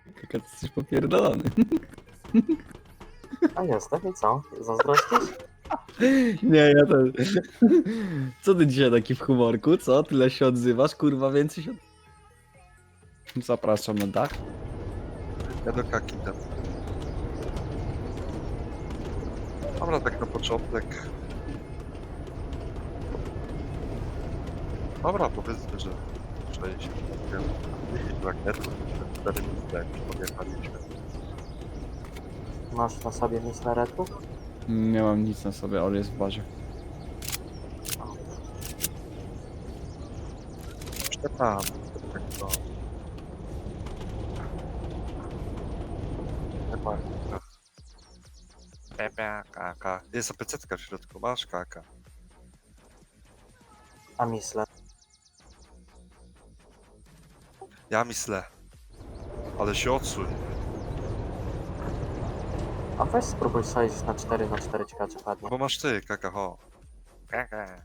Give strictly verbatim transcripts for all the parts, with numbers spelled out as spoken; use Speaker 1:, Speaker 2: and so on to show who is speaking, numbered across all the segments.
Speaker 1: Kaka, ty jesteś popierdolony.
Speaker 2: A jestem i co? Zazdrościsz?
Speaker 1: Nie, ja też. Co ty dzisiaj taki w humorku, co? Tyle się odzywasz, kurwa, więcej się... Zapraszam na dach.
Speaker 3: Ja do kaki tam. Dobra, tak na początek. Dobra, powiedzmy, że sześć rakietów, cztery misle, podjechaliśmy.
Speaker 2: Masz na sobie misleretu?
Speaker 1: Nie mam nic na sobie, ale jest w bazie.
Speaker 3: Przepraszam, tak to... Chyba... Pepe, kaka. Jest apecetka w środku, masz kaka.
Speaker 2: A misle?
Speaker 3: Ja myślę. Ale się odsuń.
Speaker 2: A weź spróbuj sześć na cztery na cztery, ciekawe czy padnie.
Speaker 3: Bo masz ty, kaka, ho. Kaka.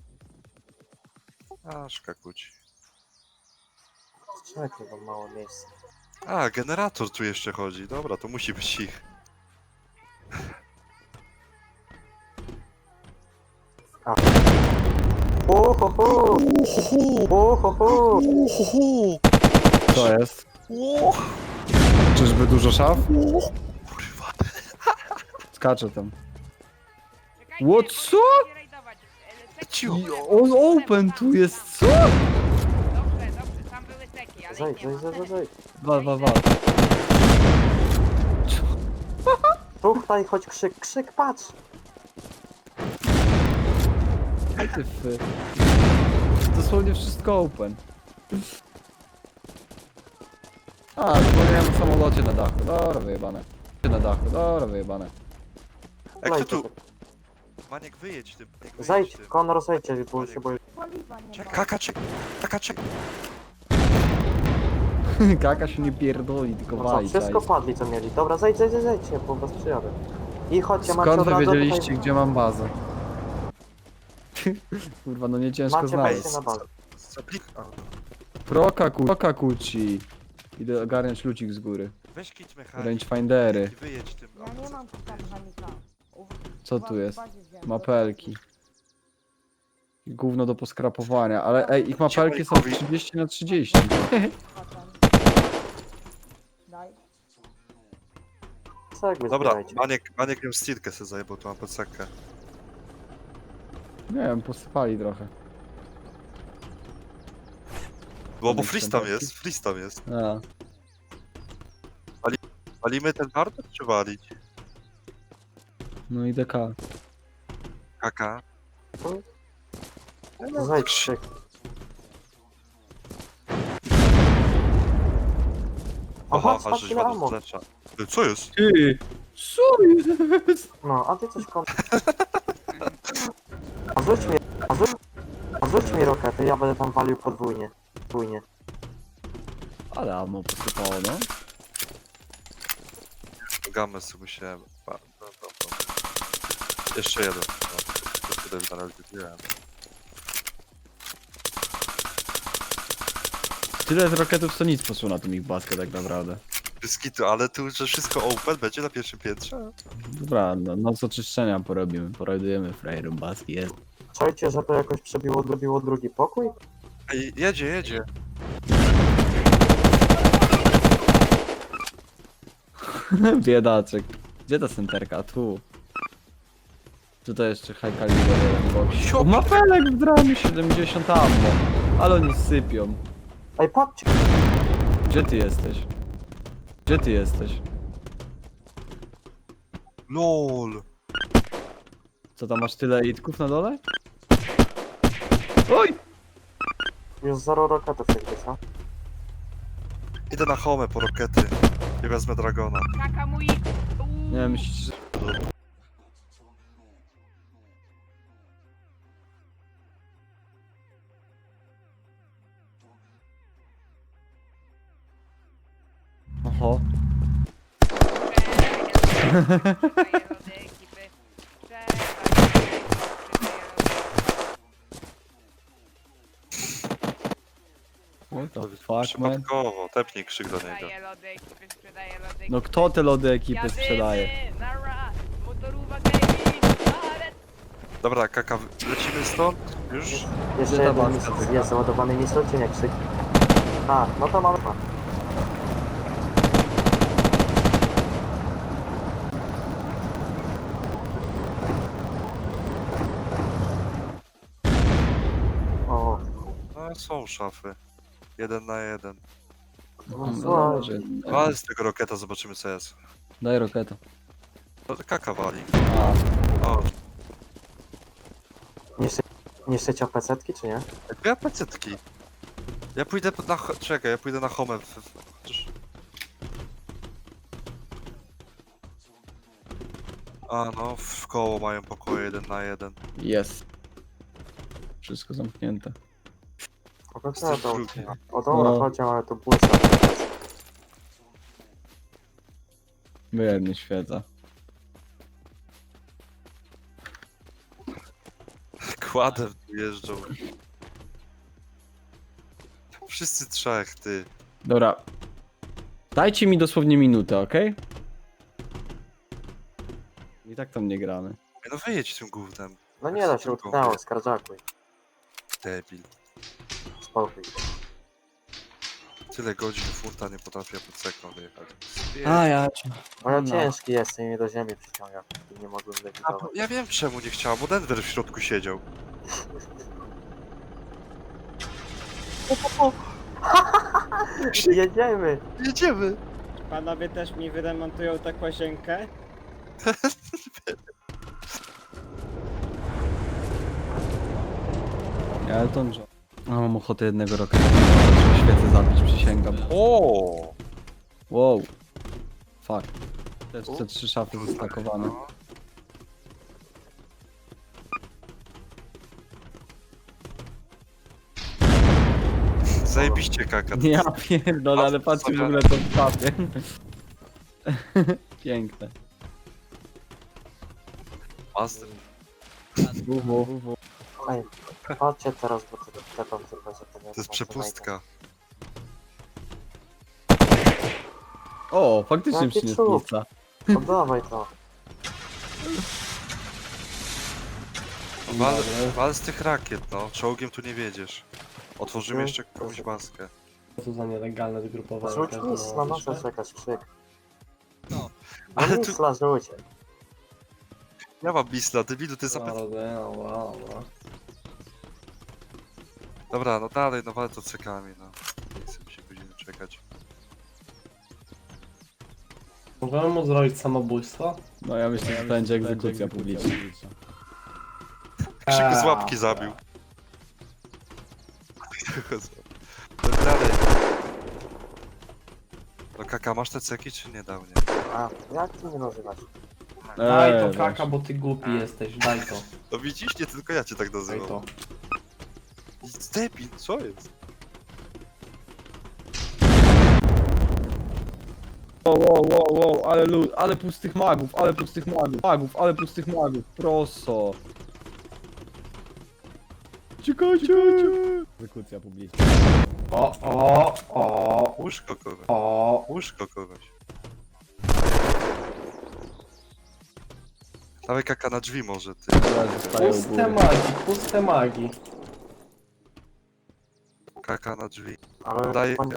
Speaker 3: Aż kakuci.
Speaker 2: Czekaj, bo mało miejsca.
Speaker 3: A, generator tu jeszcze chodzi. Dobra, to musi być ich.
Speaker 2: Uhuhu! Uhuhu!
Speaker 1: Co jest? Czyżby dużo szaf?
Speaker 3: Kurwa.
Speaker 1: Skaczę tam.
Speaker 4: Czekajcie,
Speaker 1: What,
Speaker 4: bo
Speaker 1: co?
Speaker 4: nie rajdować. E, seki
Speaker 3: Cicho.
Speaker 4: w ogóle,
Speaker 1: On
Speaker 4: bo-
Speaker 1: open tu jest, co?
Speaker 4: Dobrze, dobrze, tam były seki, ale
Speaker 2: Zejdź,
Speaker 4: ich nie
Speaker 2: zejdź,
Speaker 4: ma.
Speaker 2: zejdź, zejdź.
Speaker 1: Wal, wal, wal.
Speaker 2: Tutaj, chodź krzyk, krzyk, patrz!
Speaker 1: Aj ty fy. Dosłownie wszystko open. A, zapomniałem o samolocie na dachu. Dobra, wyjebane. Na dachu, dobra, wyjebane.
Speaker 3: Jak ty
Speaker 2: Lejcie
Speaker 3: tu?
Speaker 2: tak.
Speaker 3: Maniek, wyjedź tym. Maniek, wyjedź
Speaker 2: Zejdź,
Speaker 3: tym.
Speaker 2: Konor, zejdźcie, bo się boję.
Speaker 3: Czek, Kaka, czek. Kaka, czek.
Speaker 1: Kaka się nie pierdoli, tylko
Speaker 2: No co,
Speaker 1: wali.
Speaker 2: wszystko padli co mieli. Dobra, zejdź, zejdź, zejdź, zejdźcie, po was przyjadę. I chodźcie, macie
Speaker 1: Skąd
Speaker 2: od
Speaker 1: wy
Speaker 2: razu
Speaker 1: wiedzieliście,
Speaker 2: tutaj...
Speaker 1: gdzie mam bazę? Kurwa, no nie ciężko
Speaker 2: Macie
Speaker 1: znaleźć.
Speaker 2: wejście na bazę.
Speaker 3: Zaplik... a,
Speaker 1: Prokaku, prokakuci. Idę ogarniać lucik z góry.
Speaker 3: Weź kit mechanik.
Speaker 1: Rangefindery.
Speaker 3: I wyjedź tym.
Speaker 5: Ja nie mam psa mechanika. U-
Speaker 1: Co
Speaker 5: u was
Speaker 1: tu
Speaker 5: w
Speaker 1: jest?
Speaker 5: bazie wziąłem.
Speaker 1: Mapelki. I gówno do poskrapowania, ale ej, ich mapelki są trzydzieści na trzydzieści.
Speaker 5: Potem. Daj.
Speaker 2: Cegły
Speaker 3: Dobra,
Speaker 2: zbierajcie.
Speaker 3: Maniek, Maniek ją stilkę sobie zajebał, tu mam podsakę.
Speaker 1: Nie wiem, posypali trochę.
Speaker 3: Bo, bo
Speaker 1: Maniek
Speaker 3: freeze tam
Speaker 1: standardki?
Speaker 3: jest, freeze tam jest.
Speaker 1: A,
Speaker 3: Walimy ten hardware czy walić?
Speaker 1: no i D K.
Speaker 3: Kaka.
Speaker 2: Zejdź, krzyk.
Speaker 3: Aha,
Speaker 2: Aha,
Speaker 3: aha,
Speaker 2: patrz
Speaker 3: żeś
Speaker 2: ile
Speaker 3: wodą
Speaker 2: ammo.
Speaker 3: zlecza. Ty, co jest?
Speaker 1: Ty! Co jest?
Speaker 2: No, a ty coś kon... A rzuć mi... A rzuć... A rzuć mi rokety, ja będę tam walił podwójnie. Podwójnie.
Speaker 1: Ale ammo posypało, no.
Speaker 3: Gamę sobie musiałem. Pa, no, no, no. Jeszcze jeden. No, to tyle na razie widziałem.
Speaker 1: Tyle z roketów, co nic poszło na tą ich baskę tak naprawdę.
Speaker 3: Biskitu, ale tu, że wszystko open będzie na pierwszym piętrze?
Speaker 1: Dobra, no, noc oczyszczenia porobimy, poradujemy frajerom baski, jest.
Speaker 2: Czajcie, że to jakoś przebiło, odrobiło drugi pokój?
Speaker 3: Ej, jedzie, jedzie.
Speaker 1: Biedaczek. Gdzie ta centerka? Tu. Tutaj jeszcze high caliber jeden box. O, mapelek w dramie siedemdziesiąt ammo. Ale oni sypią.
Speaker 2: Ej, patrzcie!
Speaker 1: Gdzie ty jesteś? Gdzie ty jesteś?
Speaker 3: LOL.
Speaker 1: Co tam, masz tyle itków na dole? Oj!
Speaker 2: Już zero roketów jakby, co?
Speaker 3: Idę na home po rokety. I wezmę Dragona.
Speaker 4: Kaka mój...
Speaker 1: Nie wiem, myślisz, że... Oho. What the fuck, man?
Speaker 3: Przypadkowo, tepnij krzyk do niego.
Speaker 4: Sprzedaję lody ekipy, sprzedaję lody
Speaker 1: No
Speaker 4: ekipy.
Speaker 1: kto te lody ekipy
Speaker 4: Jadymy,
Speaker 1: sprzedaje?
Speaker 4: nara, motorówka gaming, ale...
Speaker 3: Dobra, kaka, lecimy stąd? Już?
Speaker 2: Jeszcze
Speaker 1: ta
Speaker 2: jeden
Speaker 1: baska
Speaker 2: mis-
Speaker 1: tylko?
Speaker 2: jest załadowany mistrzem, czy nie krzyk? A, no to mamy dwa. O,
Speaker 3: No są szafy. Jeden na jeden.
Speaker 2: no
Speaker 1: No,
Speaker 2: słuchaj,
Speaker 1: może-
Speaker 3: Ale z tego roketa zobaczymy co jest.
Speaker 1: Daj roketa.
Speaker 3: No to kaka wali.
Speaker 1: A,
Speaker 3: O,
Speaker 2: niszczy, niszczycie opecetki, czy nie?
Speaker 3: ja pecetki. Ja pójdę na... ho- Czekaj, ja pójdę na home. w- w- Chociaż... A no, w koło mają pokoje jeden na jeden.
Speaker 1: jest. Wszystko zamknięte.
Speaker 2: O,
Speaker 3: Jesteś
Speaker 2: to,
Speaker 3: drugi.
Speaker 2: o dobra,
Speaker 1: No.
Speaker 2: chodź, ale to błyska.
Speaker 1: Wyjednie świeca.
Speaker 3: Kładem tu jeżdżą. Wszyscy trzech, ty.
Speaker 1: Dobra. Dajcie mi dosłownie minutę, okej? I tak tam nie gramy.
Speaker 3: Ej, no wyjedź tym gównem,
Speaker 2: No nie da się, utknęło, skarżakuj.
Speaker 3: debil.
Speaker 2: Spokój.
Speaker 3: Tyle godzin furta nie potrafię pod sekną wyjechać.
Speaker 1: A ja cię.
Speaker 2: Bo ja
Speaker 1: No.
Speaker 2: ciężki jestem i mnie do ziemi przyciąga. I nie mogłem
Speaker 3: A,
Speaker 2: lewitować.
Speaker 3: bo ja wiem czemu nie chciała, bo Denver w środku siedział.
Speaker 2: Jedziemy!
Speaker 3: Jedziemy!
Speaker 6: Panowie też mi wyremontują tę łazienkę?
Speaker 1: Ja Elton John. A mam ochotę jednego roketa. Świecę zabić, przysięgam.
Speaker 3: O!
Speaker 1: Wow. Fuck. Też te trzy szafy zestakowane.
Speaker 3: Zajebiście kaka.
Speaker 1: Ja pierdolę, ale patrzcie w ogóle to w szafie. Piękne.
Speaker 3: Master.
Speaker 1: Uhu.
Speaker 2: Ej, chodźcie teraz, bo to te tam tylko, że to nie
Speaker 3: To jest przepustka.
Speaker 1: O, faktycznie
Speaker 2: Jaki
Speaker 1: przyniósł
Speaker 2: cud.
Speaker 1: pizza.
Speaker 2: Oddawaj to.
Speaker 3: Wal, wal z tych rakiet, no. Czołgiem tu nie wiedziesz. Otworzymy
Speaker 2: No.
Speaker 3: jeszcze jakąś maskę.
Speaker 6: Co to za nielegalne zgrupowanie?
Speaker 2: Rzuć
Speaker 6: każdy
Speaker 2: mis na
Speaker 6: ma
Speaker 2: masę,
Speaker 6: wyższe?
Speaker 2: czekać, krzyk.
Speaker 3: No.
Speaker 2: Ale
Speaker 3: Ale
Speaker 2: no
Speaker 3: tu-
Speaker 2: misla, rzuć.
Speaker 3: Ja mam bisla, debilu, ty zapytaj.
Speaker 6: No, no, no, no.
Speaker 3: Dobra, no dalej, no wal to cekami, no. Nie chcę mi się godziny czekać.
Speaker 6: Możemy mu zrobić samobójstwo?
Speaker 1: No ja myślę, że to będzie egzekucja publiczna.
Speaker 3: Krzyku z
Speaker 6: Eee,
Speaker 3: łapki zabił. No dalej. No kaka, masz te ceki czy nie dał, nie?
Speaker 2: A, jak ty mnie nazywasz?
Speaker 6: Daj
Speaker 1: Eee,
Speaker 6: to kaka,
Speaker 1: właśnie.
Speaker 6: bo ty głupi jesteś, daj to,
Speaker 3: No widzisz, nie tylko ja cię tak
Speaker 6: daj
Speaker 3: nazywam.
Speaker 6: to.
Speaker 3: Debil, co jest?
Speaker 1: Wow, wow, wow, wow, ale lud, ale pustych magów, ale pustych magów, magów, ale pustych magów, proso. Ciekajcie! Egzekucja publiczna.
Speaker 6: O, o, o,
Speaker 3: Łóżko kogoś.
Speaker 6: o.
Speaker 3: Łóżko kogoś. Dawaj kaka na drzwi może, ty.
Speaker 1: Ja zostaję u
Speaker 6: Puste
Speaker 1: góry.
Speaker 6: magii, puste magii.
Speaker 3: Kaka na drzwi.
Speaker 2: Ale
Speaker 3: Daj...
Speaker 2: panie-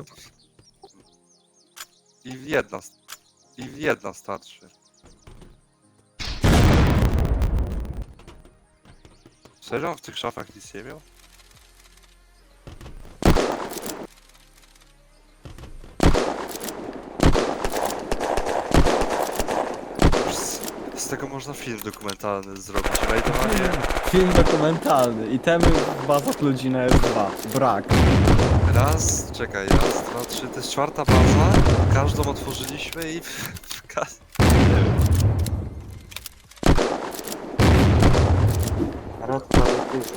Speaker 3: I jedna... I jedna starczy. Serio? On w tych szafach nic nie miał? Z, z tego można film dokumentalny zrobić. Rajdowanie.
Speaker 1: Film dokumentalny. Itemy w bazach ludzi na F dwa. Brak.
Speaker 3: Raz, czekaj, raz, dwa, trzy, to jest czwarta baza. Każdą otworzyliśmy i w, w kas... Nie wiem.
Speaker 2: Red prawie pisz.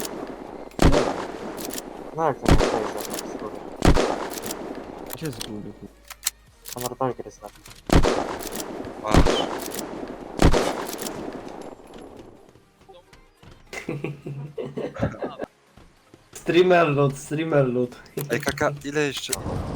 Speaker 2: No jak to nie stoi za mną z góry?
Speaker 1: Gdzie z góry?
Speaker 2: Honor Tiger jest na
Speaker 3: Masz.
Speaker 6: Streamer loot, streamer loot.
Speaker 3: Ej, kaka, ile jeszcze?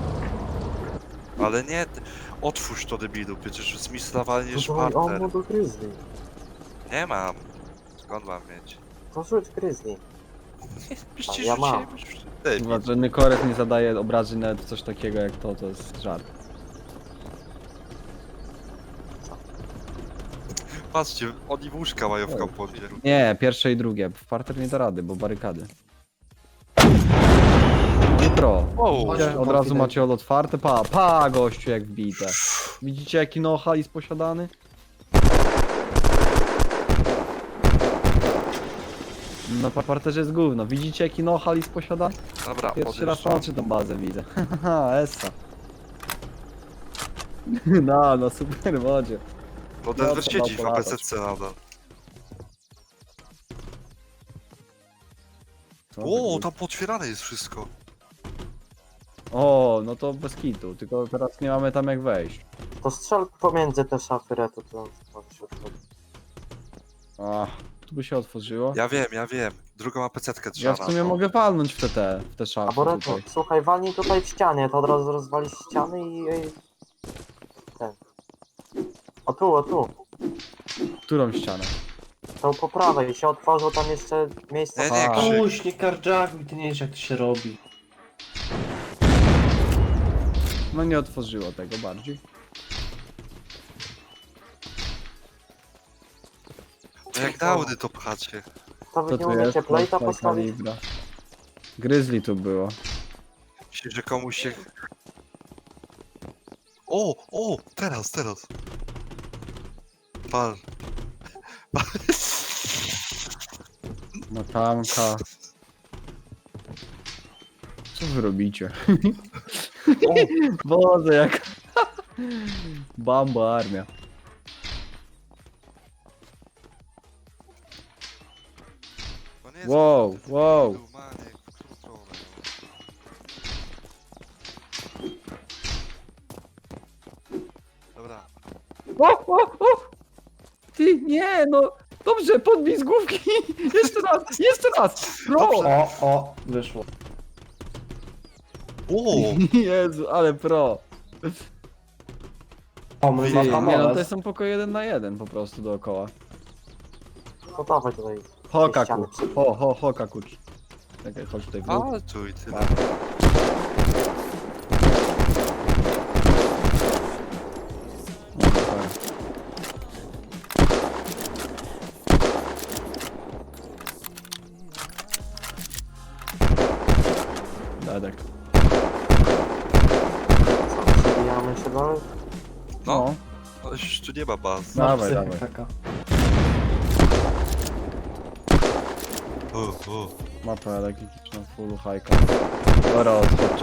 Speaker 3: Ale nie, ty- otwórz to debilu, przecież zmisowalisz
Speaker 2: Dawaj, o, mu
Speaker 3: partner.
Speaker 2: do Grizzly.
Speaker 3: Nie mam. Skąd mam mieć?
Speaker 2: To rzuć Grizzly.
Speaker 3: Przecież
Speaker 2: ja mam.
Speaker 3: Ej,
Speaker 1: Chyba, że Nykorek nie zadaje obrażeń nawet w coś takiego jak to, to jest żart.
Speaker 3: patrzcie, oni łóżka mają w komponie.
Speaker 1: Nie, pierwsze i drugie. W parter nie da rady, bo barykady. Nie pro.
Speaker 3: Wow.
Speaker 1: Widzicie? Od razu macie od otwarte. Pa, pa gościu jak wbite. Widzicie jaki noha jest posiadany? Na pa- parterze jest gówno. Widzicie jaki noha jest posiadany?
Speaker 3: Dobra,
Speaker 1: Pierwszy raz
Speaker 3: podjeżdżam.
Speaker 1: patrzę tą bazę widzę. Haha, essa. No, no super wodzie.
Speaker 3: No Denver
Speaker 1: No, to
Speaker 3: siedzi w
Speaker 1: dał
Speaker 3: A P
Speaker 1: polatać.
Speaker 3: C C nadal.
Speaker 1: Co
Speaker 3: O,
Speaker 1: wy-
Speaker 3: tam potwierane jest wszystko.
Speaker 1: O, no to bez kitu, tylko teraz nie mamy tam jak wejść.
Speaker 2: To strzel pomiędzy te szafy retu, to to się otworzy.
Speaker 1: Ach, tu by się otworzyło.
Speaker 3: Ja wiem, ja wiem. Drugą A P C-tkę
Speaker 1: Ja
Speaker 3: trzeba
Speaker 1: w sumie
Speaker 3: na to.
Speaker 1: mogę walnąć w te, te, w te szafy
Speaker 2: Albo retu,
Speaker 1: tutaj.
Speaker 2: słuchaj, walnij tutaj w ścianie, to od razu rozwalisz ściany i... i- ten. O tu, o tu.
Speaker 1: Którą ścianę?
Speaker 2: To po prawej się otworzyło tam jeszcze miejsce.
Speaker 3: Nie, nie,
Speaker 1: A.
Speaker 3: krzyk.
Speaker 6: Puść, nie karczakuj, ty nie wiesz jak to się robi.
Speaker 1: No nie otworzyło tego bardziej.
Speaker 3: No jak dałdy to pchacie.
Speaker 2: To wy
Speaker 1: Co
Speaker 2: nie
Speaker 1: tu jest?
Speaker 2: umiecie plejta
Speaker 1: Mocna
Speaker 2: postawić?
Speaker 1: kalibra. Grizzly tu było.
Speaker 3: Myślisz, że komuś się... O, o, teraz, teraz. Pan.
Speaker 1: Matanka. Co wy robicie?
Speaker 3: O,
Speaker 1: Boże jak... Bamba armia.
Speaker 3: to nie jest
Speaker 1: Wow,
Speaker 3: naprawdę
Speaker 1: wow.
Speaker 3: debilu, Maniek, w którą stronę, no. Dobra.
Speaker 1: O, o, o! Ty, nie no! Dobrze, podbij z główki! Jeszcze raz, jeszcze raz! Pro!
Speaker 6: O, o, wyszło.
Speaker 3: O,
Speaker 1: Jezu, ale pro!
Speaker 6: O, my
Speaker 3: Nie,
Speaker 6: ma
Speaker 3: nie,
Speaker 1: Nie no, to
Speaker 6: hamulec.
Speaker 1: są pokoje jeden na jeden po prostu dookoła.
Speaker 2: To dawaj tutaj.
Speaker 1: Hoka
Speaker 2: ściany
Speaker 1: ku. Ho, ho, hoka kucz. Czekaj, chodź tutaj w dół.
Speaker 3: ale tu i tyle.
Speaker 1: Dedek.
Speaker 2: Co, przebijamy się dalej?
Speaker 3: No, no już tu nie ma baz.
Speaker 6: Masz
Speaker 1: Dawaj,
Speaker 6: psychę,
Speaker 1: dawaj.
Speaker 6: kaka.
Speaker 3: O, o.
Speaker 1: Mapa elektryczna, full hajka. Dobra, odchodźcie.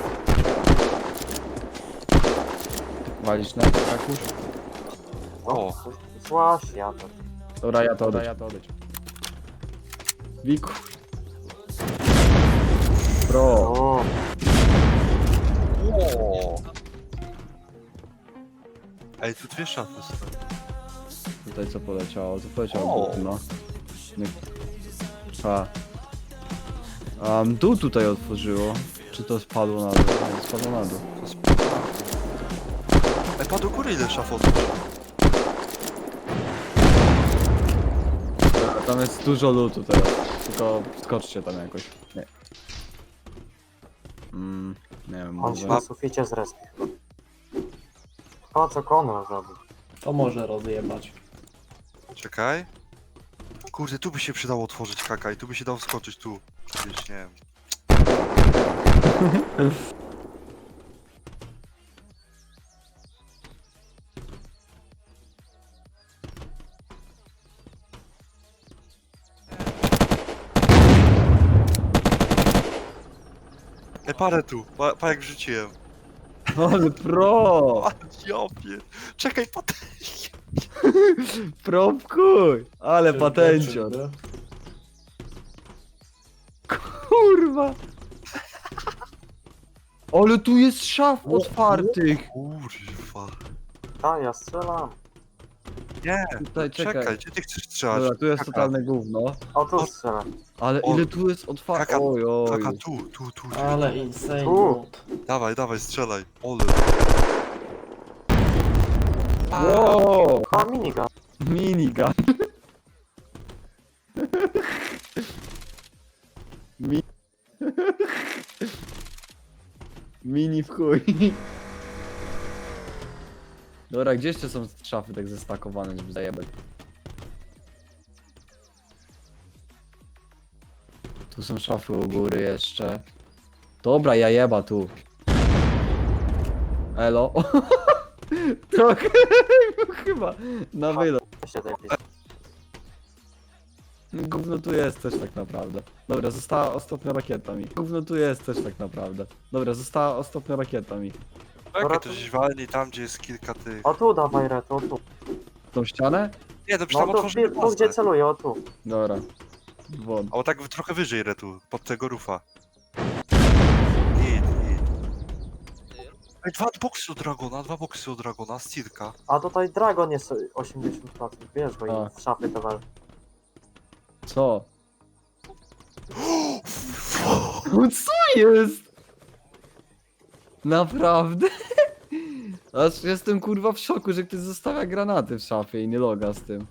Speaker 1: Walisz na kakusz?
Speaker 3: O.
Speaker 2: Złaś, ja to.
Speaker 1: Dobra, ja to odejdź. Ja to odejdź. Wiku. Pro.
Speaker 2: O,
Speaker 3: O. Ej, tu dwie szafy są.
Speaker 1: Tutaj co poleciało? Co poleciało?
Speaker 3: O.
Speaker 1: No. Nie. A. Um, dół tutaj otworzyło. Czy to spadło na dół? Nie, spadło na dół.
Speaker 3: To sp- Ej, pa do góry ile szaf otworzył?
Speaker 1: Dobra, tam jest dużo lootu teraz. Tylko skoczcie tam jakoś. Nie. Mm, nie wiem,
Speaker 2: on się
Speaker 1: może...
Speaker 2: na suficie zrespił. O, co Konrad zrobił?
Speaker 6: To może rozjebać.
Speaker 3: Czekaj. Kurde, tu by się przydało otworzyć kaka i tu by się dało wskoczyć tu. Gdzieś, nie wiem. Ej, parę tu, pa, pa jak wrzuciłem.
Speaker 1: Ale pro!
Speaker 3: A, jopie. Czekaj, patrz.
Speaker 1: Pro w kuj! Ale patencior. Kurwa! Ale tu jest szaf otwartych!
Speaker 3: Kurwa.
Speaker 2: A, ja strzelam.
Speaker 3: Nie,
Speaker 1: Tutaj, czekaj.
Speaker 3: czekaj, gdzie ty chcesz strzelać?
Speaker 1: Dobra, tu jest
Speaker 3: Kaka,
Speaker 1: totalne gówno.
Speaker 2: O, tu strzelę.
Speaker 1: Ale
Speaker 3: O,
Speaker 1: ile tu jest otwarte?
Speaker 3: kaka,
Speaker 1: Oj, oj.
Speaker 3: Kaka, tu, tu, tu, tu.
Speaker 6: Ale insane
Speaker 2: Tu.
Speaker 6: loot.
Speaker 3: Dawaj, dawaj, strzelaj. Ole.
Speaker 1: Wow,
Speaker 2: A, minigun.
Speaker 1: minigun. Mi... Mini w chuj. Dobra, gdzie jeszcze są szafy tak zestakowane, żeby zajebać? Tu są szafy u góry jeszcze. Dobra, ja jeba tu. Elo. Trochę chyba na wylot.
Speaker 2: Jeszcze lepiej.
Speaker 1: Gówno tu jest też tak naprawdę. Dobra, została ostatnia rakieta mi. Gówno tu jest też tak naprawdę. Dobra, została ostatnia rakieta mi.
Speaker 3: Czekaj, to gdzieś walni tam, gdzie jest kilka tych...
Speaker 2: O, tu dawaj, Red, o tu.
Speaker 1: Tą ścianę?
Speaker 3: Nie, to przecież
Speaker 2: No
Speaker 3: tam
Speaker 2: tu,
Speaker 3: otworzymy
Speaker 2: tu gdzie
Speaker 3: bazę.
Speaker 2: celuję, o tu.
Speaker 1: Dobra. Won.
Speaker 3: Albo tak trochę wyżej, Retu, pod tego rufa. Git, git. Ej, dwa boksy od Dragona, dwa boksy od Dragona, Stirka.
Speaker 2: A tutaj Dragon jest osiemdziesiąt procent, wiesz go
Speaker 1: A.
Speaker 2: i w szafy te wal.
Speaker 1: Co? No co jest? Naprawdę? Aż jestem kurwa w szoku, że ktoś zostawia granaty w szafie i nie loga z tym.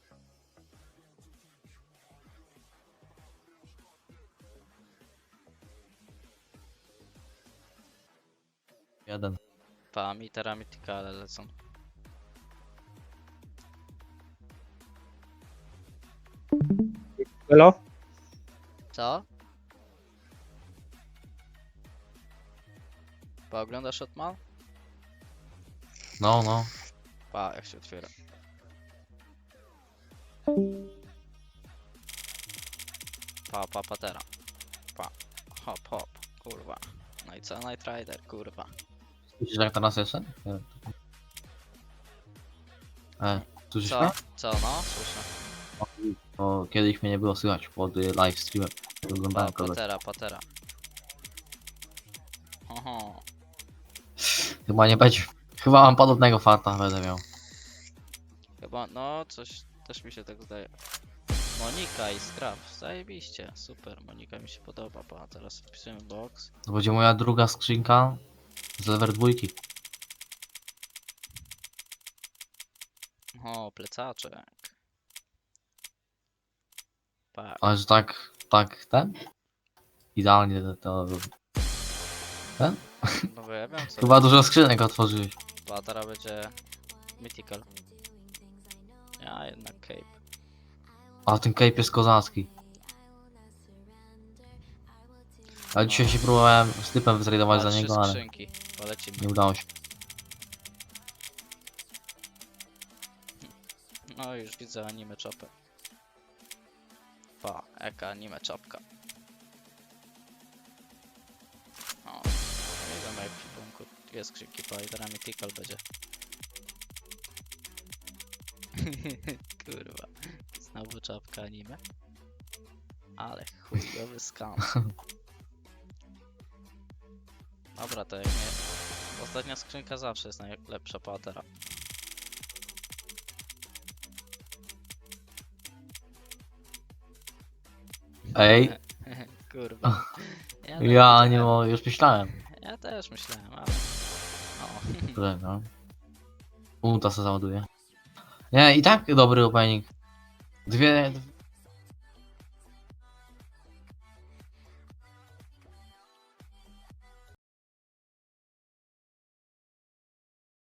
Speaker 7: Jeden.
Speaker 8: Pa, mi teramitykale lecą.
Speaker 9: Hello?
Speaker 8: Co? Pa, oglądasz Shotman?
Speaker 7: No, no.
Speaker 8: Pa, jak się otwiera. Pa, pa, patera. Pa. Hop, hop. Kurwa. No i co? Night Rider, kurwa.
Speaker 7: Słyszysz jak teraz jeszcze? Nie. E, słyszysz
Speaker 8: Co?
Speaker 7: mnie?
Speaker 8: Co, no? Słyszę.
Speaker 7: Bo kiedyś mnie nie było słychać pod y, live streamem.
Speaker 8: Pa,
Speaker 7: Oglądałem kogoś.
Speaker 8: patera, patera. Oho.
Speaker 7: Chyba nie będzie. Chyba mam podobnego farta będę miał.
Speaker 8: Chyba, no, coś też mi się tak zdaje. Monika i Scrap, zajebiście, super, Monika mi się podoba, pa, teraz wpisujemy box.
Speaker 7: To będzie moja druga skrzynka z level dwójki.
Speaker 8: O, plecaczek. Pa,
Speaker 7: Ale że tak, tak, ten? Idealnie to... to... Ten?
Speaker 8: no bo ja wiem co,
Speaker 7: Chyba dużo skrzynek otworzyłeś.
Speaker 8: pa, teraz będzie mythical. Ja jednak cape.
Speaker 7: A ten cape jest kozacki. Ale dzisiaj się próbowałem z typem wytradować
Speaker 8: Pa,
Speaker 7: za
Speaker 8: trzy
Speaker 7: niego, ale
Speaker 8: skrzynki, polecimy.
Speaker 7: nie udało się.
Speaker 8: No już widzę anime czopę. Pa, jaka anime czopka. O, widzę jak w ekwipunku dwie skrzynki, pa, i teraz mythical będzie. Kurwa, znowu czapka anime. Ale chujowy skam. Dobra, to jak nie... Ostatnia skrzynka zawsze jest najlepsza patera.
Speaker 7: Ej,
Speaker 8: Kurwa. Ja, tak
Speaker 7: ja nie
Speaker 8: myślałem.
Speaker 7: mogę, już myślałem.
Speaker 8: Ja też myślałem, ale... O.
Speaker 7: Że no. Ulta se załaduje. Nie, i tak dobry opening. Dwie,